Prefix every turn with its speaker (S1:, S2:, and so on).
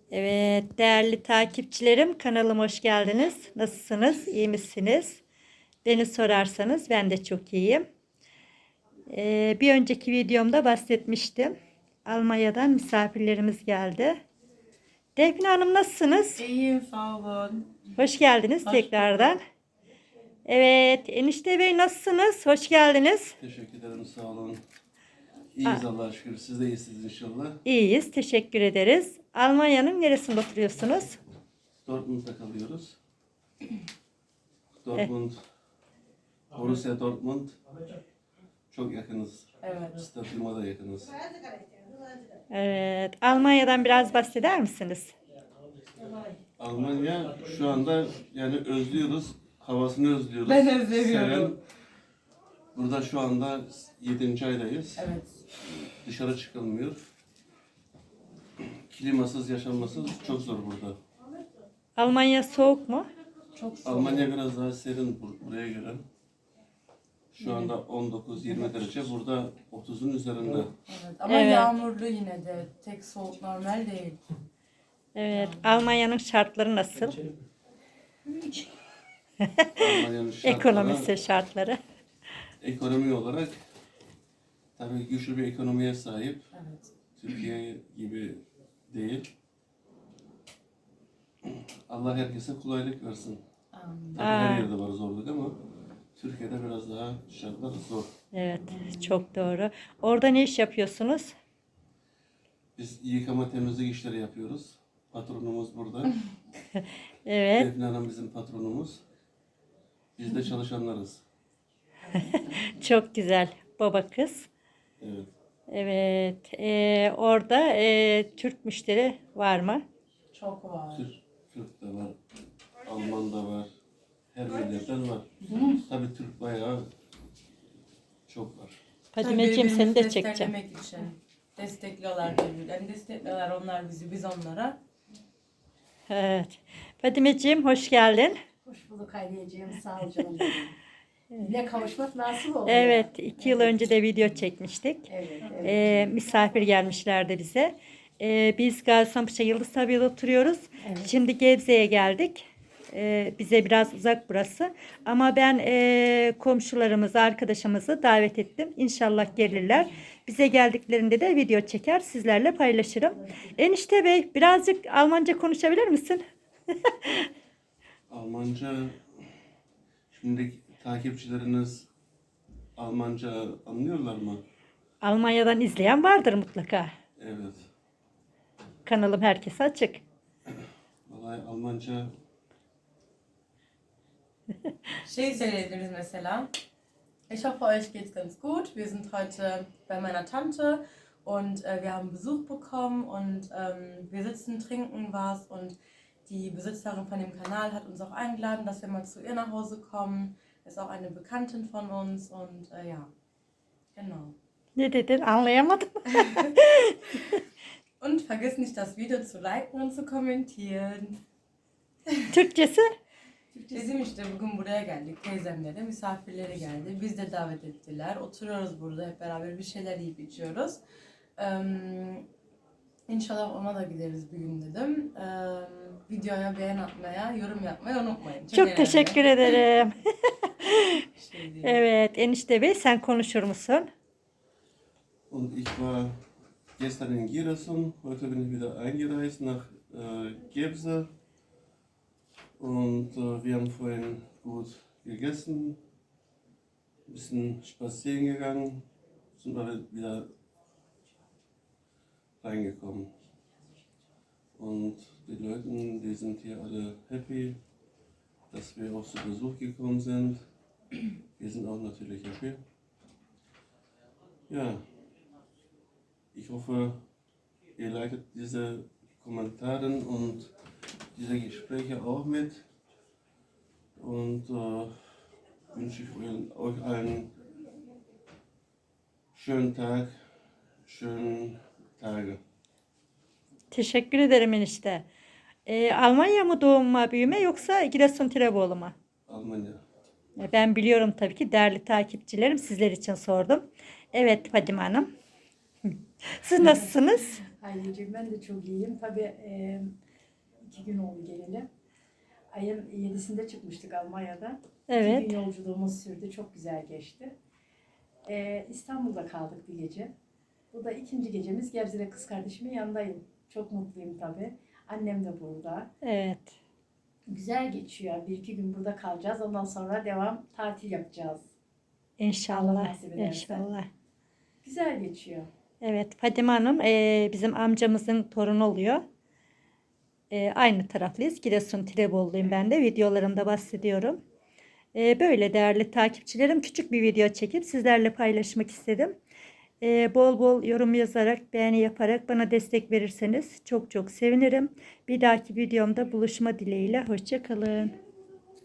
S1: Evet, değerli takipçilerim, kanalıma hoş geldiniz. Nasılsınız? İyi misiniz? Beni sorarsanız ben de çok iyiyim. Bir önceki videomda bahsetmiştim. Almanya'dan misafirlerimiz geldi. Defne Hanım nasılsınız?
S2: İyiyim, sağ olun.
S1: Hoş geldiniz
S2: Hoş
S1: tekrardan.
S2: bulduk.
S1: Evet, Enişte Bey nasılsınız? Hoş geldiniz.
S3: Teşekkür ederim, sağ olun. İyiyiz Allah'a şükür. Siz de iyisiniz inşallah.
S1: İyiyiz, teşekkür ederiz. Almanya'nın neresinde oturuyorsunuz?
S3: Dortmund'da kalıyoruz. Dortmund, Borussia Dortmund. Çok yakınız.
S2: Evet.
S3: Stadyuma da yakınız.
S1: Evet, Almanya'dan biraz bahseder misiniz?
S3: Almanya şu anda yani özlüyoruz. Havasını özlüyoruz.
S2: Ben özlemiyorum.
S3: Seven. Burada şu anda 7. aydayız.
S2: Evet.
S3: Dışarı çıkılmıyor. Klimasız yaşanması çok zor burada.
S1: Almanya soğuk mu?
S2: Çok soğuk.
S3: Almanya biraz daha serin buraya göre. Şu anda 19-20 derece. Burada 30'un üzerinde.
S2: Evet. Ama
S1: Evet.
S2: yağmurlu yine de. Tek soğuk normal değil.
S1: Evet, Almanya'nın şartları nasıl?
S3: Almanya'nın şartları,
S1: Ekonomisi şartları.
S3: ekonomi olarak tabii güçlü bir ekonomiye sahip.
S2: Evet.
S3: Türkiye gibi değil. Allah herkese kolaylık versin.
S2: Amin.
S3: Tabii her yerde var zorluk ama Türkiye'de biraz daha şartlar zor.
S1: Evet, çok doğru. Orada ne iş yapıyorsunuz?
S3: Biz yıkama temizlik işleri yapıyoruz. Patronumuz burada.
S1: Evet,
S3: Defne Hanım bizim patronumuz. Biz de çalışanlarız.
S1: çok güzel. Baba kız.
S3: Evet.
S1: Evet, orada Türk müşteri var mı?
S2: Çok var.
S3: Türk de var. Alman da var. Her milletten var. Tabii Türk bayağı çok var.
S1: Fadimeciğim seni de
S2: birbirimizi
S1: çekeceğim.
S2: desteklemek için. Destekliyorlar birbirlerini. Destekliyorlar onlar bizi, biz onlara.
S1: Evet. Fadimeciğim hoş geldin.
S4: Hoş bulduk Haydiyeciğim, sağ ol canım. Yine kavuşmak nasip oldu.
S1: Evet, 2 yıl önce de video çekmiştik.
S4: Evet, evet.
S1: Misafir gelmişlerdi bize. Biz Gaziantep'te Yıldız Tabi'de oturuyoruz.
S4: Evet.
S1: Şimdi Gebze'ye geldik. Bize biraz uzak burası. Ama ben komşularımızı, arkadaşımızı davet ettim. İnşallah gelirler. Bize geldiklerinde de video çeker, sizlerle paylaşırım. Enişte Bey, birazcık Almanca konuşabilir misin?
S3: Almanca, şimdi takipçileriniz Almanca anlıyorlar mı?
S1: Almanya'dan izleyen vardır mutlaka.
S3: Evet.
S1: Kanalım herkese açık.
S3: Vallahi Almanca
S2: Şey söyleyebiliriz mesela. Ich hoffe, euch geht's ganz gut. Wir sind heute bei meiner Tante und wir haben Besuch bekommen und wir sitzen, trinken was und die Besitzerin von dem Kanal hat uns auch eingeladen, dass wir mal zu ihr nach Hause kommen. Ist auch eine Bekanntin von uns und ja, genau.
S1: Ne dedin? Anlayamadım.
S2: Und vergiss nicht, das Video zu liken und zu kommentieren.
S1: Türkçesi?
S2: Bizim işte bugün buraya geldik. Teyzemlere misafirleri geldi. Biz de davet ettiler. Oturuyoruz burada hep beraber bir şeyler yiyip içiyoruz. İnşallah ona da gideriz bir gün dedim. Videoya beğen atmaya, yorum yapmayı unutmayın.
S1: Çok
S2: önemli.
S1: teşekkür ederim.
S2: Şey değil.
S1: Evet, Enişte Bey sen konuşur musun?
S3: und ich war gestern in Giresun, heute bin ich wieder eingereist nach Gebse und wir haben vorhin gut gegessen, ein bisschen spazieren gegangen, sind aber wieder reingekommen. Und die Leute, die sind hier alle happy, dass wir auch zu Besuch gekommen sind. Wir sind auch natürlich happy. Ja, ich hoffe, ihr leitet diese Kommentare und diese Gespräche auch mit und wünsche ich euch einen schönen Tag, schönen Tage.
S1: Teşekkür ederim enişte. Almanya mı doğma büyüme yoksa Giresun Tirebolu mu?
S3: Almanya.
S1: Ben biliyorum tabii ki değerli takipçilerim sizler için sordum. Evet Fadime Hanım. Siz nasılsınız?
S4: Anneciğim ben de çok iyiyim. Tabii 2 gün oldu geleli. Ayın 7'sinde çıkmıştık Almanya'da. 2
S1: Evet.
S4: gün yolculuğumuz sürdü. Çok güzel geçti. İstanbul'da kaldık bir gece. Bu da 2. gecemiz. Gebze'de kız kardeşimin yanındayım. Çok mutluyum tabii. Annem de burada.
S1: Evet.
S4: Güzel geçiyor. 1-2 gün burada kalacağız. Ondan sonra devam tatil yapacağız. Allah
S1: İnşallah.
S4: nasip ederse.
S1: İnşallah.
S4: Güzel geçiyor.
S1: Evet, Fadime Hanım bizim amcamızın torunu oluyor. Aynı taraflıyız. Giresun Tirebolu'luyum ben de. Videolarımda bahsediyorum. Böyle değerli takipçilerim, küçük bir video çekip sizlerle paylaşmak istedim. Bol bol yorum yazarak, beğeni yaparak bana destek verirseniz çok çok sevinirim. Bir dahaki videomda buluşma dileğiyle. Hoşça kalın.